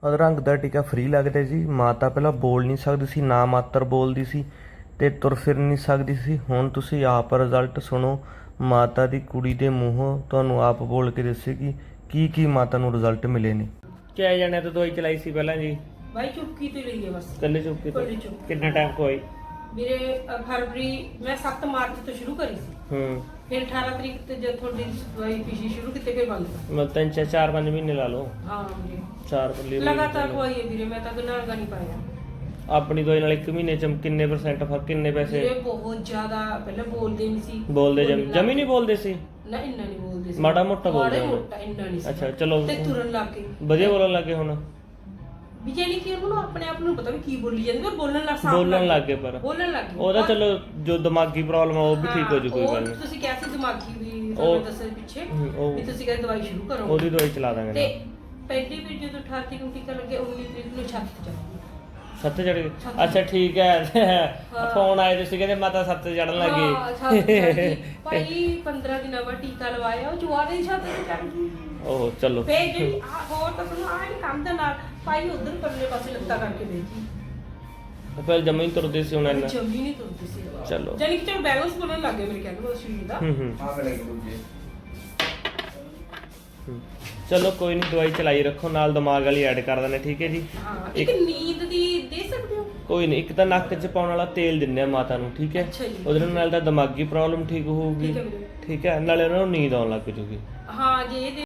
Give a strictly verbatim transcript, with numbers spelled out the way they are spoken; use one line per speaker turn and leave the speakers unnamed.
ਅਧਰੰਗ ਦਾ ਟੀਕਾ ਫ੍ਰੀ ਲੱਗਦਾ ਜੀ। ਮਾਤਾ ਪਹਿਲਾਂ ਬੋਲ ਨਹੀਂ ਸਕਦੀ ਸੀ, ਨਾ ਮਾਤਰ ਬੋਲਦੀ ਸੀ ਤੇ ਤੁਰ ਫਿਰ ਨਹੀਂ ਸਕਦੀ ਸੀ। ਹੁਣ ਤੁਸੀਂ ਆਪ ਰਿਜ਼ਲਟ ਸੁਣੋ। ਮਾਤਾ ਦੀ ਕੁੜੀ ਦੇ ਮੂੰਹੋਂ ਤੁਹਾਨੂੰ ਆਪ ਬੋਲ ਕੇ ਦੱਸੇਗੀ ਕੀ ਕੀ ਮਾਤਾ ਨੂੰ ਰਿਜ਼ਲਟ ਮਿਲੇ ਨੇ। ਕਿਆ ਜਾਣਿਆ ਤੋਂ ਦਵਾਈ ਚਲਾਈ ਸੀ ਪਹਿਲਾਂ ਜੀ?
भाई चुपकी तो ली है बस।
ਕੱਲੇ ਚੁੱਕੀ ਤੋਂ
ਕੱਲੀ ਚੁੱਕੀ।
ਕਿੰਨਾ ਟਾਈਮ ਕੋਈ?
मेरे अ, फरवरी मैं सात मार्च तो शुरू करी सी,
ਹੂੰ
फिर अठारह तरीक तो जब थोड़ी दवाई पीछी शुरू की फिर बंद कर।
ਮੈਂ ਤਿੰਨ ਚਾਰ ਚਾਰ ਪੰਜ ਮਹੀਨੇ ਲਾ ਲਓ।
हाँ जी
ਚਾਰ ਪੱਲੇ
लगातार दवाई है वीरे, मैं तो नागा नहीं पाया।
ਆਪਣੀ ਦਵਾਈ ਨਾਲ ਇੱਕ ਮਹੀਨੇ ਚ ਕਿੰਨੇ ਪਰਸੈਂਟ ਫਰਕ, ਕਿੰਨੇ ਪੈਸੇ?
वीरे बहुत ज्यादा पहले बोलते नहीं सी।
ਬੋਲਦੇ ਜਮ ਜਮੀ ਨਹੀਂ ਬੋਲਦੇ ਸੀ?
ना इन्ना नहीं बोलते सी।
ਮਾੜਾ ਮੋਟਾ ਬੋਲਦੇ
माड़ा
ਹੋਣੇ।
मोटा इन्ना नहीं सी।
ਅੱਛਾ ਚਲੋ
ते तुरन लग गए।
ਵਧੀਆ ਬੋਲਣ ਲੱਗੇ ਹੁਣ?
ਵੀ ਜਾਨੀ ਕਿ ਉਹਨੂੰ ਆਪਣੇ ਆਪ ਨੂੰ ਪਤਾ ਵੀ ਕੀ ਬੋਲੀ ਜਾਂਦੀ, ਪਰ ਬੋਲਣ ਲੱਗ ਸਾਫ਼
ਬੋਲਣ ਲੱਗ ਗਏ ਪਰ
ਬੋਲਣ ਲੱਗ ਗਏ।
ਉਹਦਾ ਚਲੋ ਜੋ ਦਿਮਾਗੀ ਪ੍ਰੋਬਲਮ ਆ ਉਹ ਵੀ ਠੀਕ ਹੋ ਜੂ, ਕੋਈ
ਉਹ
ਗੱਲ ਨਹੀਂ।
ਤੁਸੀਂ ਕਿਹਾ ਸੀ ਦਿਮਾਗੀ ਵੀ
ਉਹ-
ਤੁਹਾਨੂੰ ਦੱਸਿਆ ਪਿੱਛੇ
ਹਮ, ਉਹ-
ਵੀ ਤੁਸੀਂ ਕਹਿੰਦੇ ਦਵਾਈ ਸ਼ੁਰੂ ਕਰੋ।
ਉਹਦੀ ਦਵਾਈ ਚਲਾ ਦਾਂਗੇ
ਤੇ
ਨਾ।
ਪਹਿਲੀ ਵੀ ਜਦੋਂ ਅਠਾਰਾਂ ਤਰੀਕ ਨੂੰ ਟੀਕਾ ਲੱਗਿਆ ਉੱਨੀ ਤਰੀਕ ਨੂੰ ਛੱਤ ਤੇ ਚੜ੍ਹ
ਸੱਤ ਚੜ ਗਏ?
ਛੱਤ।
ਅੱਛਾ ਠੀਕ ਹੈ। ਫੋਨ ਆਏ ਤੁਸੀਂ ਕਹਿੰਦੇ ਮਾਤਾ ਸੱਤ ਤੇ ਚੜਨ ਲੱਗੀ।
ਹਾਂ, ਛੱਤ ਤੇ ਚੜ੍ਹ ਗਈ। ਭਾਈ ਪੰਦਰਾਂ ਦਿਨਾਂ ਬਾਅਦ ਟੀਕਾ ਲਵਾਇਆ, ਉਹ ਜਵਾਰੇ ਦੀ ਛੱਤ ਤੇ ਚੜ੍ਹ ਗਈ।
ਉਹ ਚਲੋ
ਫੇਰ ਜਿਹੜੀ ਆਹ ਹੋਰ ਤਾਂ ਤੁਹਾਨੂੰ ਆਹ ਨਹੀਂ ਕੰਮ ਦੇ ਨਾਲ ਭਾਈ ਉਧਰ ਪਰਲੇ ਪਾਸੇ ਲੱਤਾਂ ਕਰਕੇ ਬੈਠੀ,
ਫਿਰ ਜਮਾ ਹੀ ਤੁਰਦੇ ਸੀ ਹੁਣ ਇੰਨਾ।
ਜਮੀ ਨਹੀਂ ਤੁਰਦੀ ਸੀ।
ਚਲੋ
ਜਾਨੀ ਕਿ ਚਲੋ ਬੈਲੈਂਸ ਬਣਨ ਲੱਗ ਗਿਆ ਮੇਰੇ ਕਹਿੰਦੇ ਉਸ ਚੀਜ਼ ਦਾ।
ਹੂੰ ਹੂੰ ਹੂੰ। ਚਲੋ ਕੋਈ ਨਹੀਂ, ਦਵਾਈ ਚਲਾਈ ਰੱਖੋ, ਨਾਲ ਦਿਮਾਗ ਵਾਲੀ ਐਡ ਕਰ ਦਿੰਦੇ, ਠੀਕ ਹੈ ਜੀ।
ਹਾਂ ਇੱਕ ਨੀਂਦ ਦੀ ਦੇ ਸਕਦੇ ਹੋ?
ਕੋਈ ਨਹੀਂ, ਇੱਕ ਤਾਂ ਨੱਕ 'ਚ ਪਾਉਣ ਵਾਲਾ ਤੇਲ ਦਿੰਦੇ ਆ ਮਾਤਾ ਨੂੰ, ਠੀਕ ਹੈ?
ਅੱਛਾ ਜੀ।
ਉਹਦੇ ਨਾਲ ਤਾਂ ਦਿਮਾਗੀ ਪ੍ਰੋਬਲਮ ਠੀਕ ਹੋਊਗੀ,
ਠੀਕ ਹੈ ਵੀਰੇ।
ਠੀਕ ਹੈ, ਨਾਲੇ ਉਹਨਾਂ ਨੂੰ ਨੀਂਦ ਆਉਣ ਲੱਗ ਜੂਗੀ।
ਹਾਂ ਜੇ ਇਹ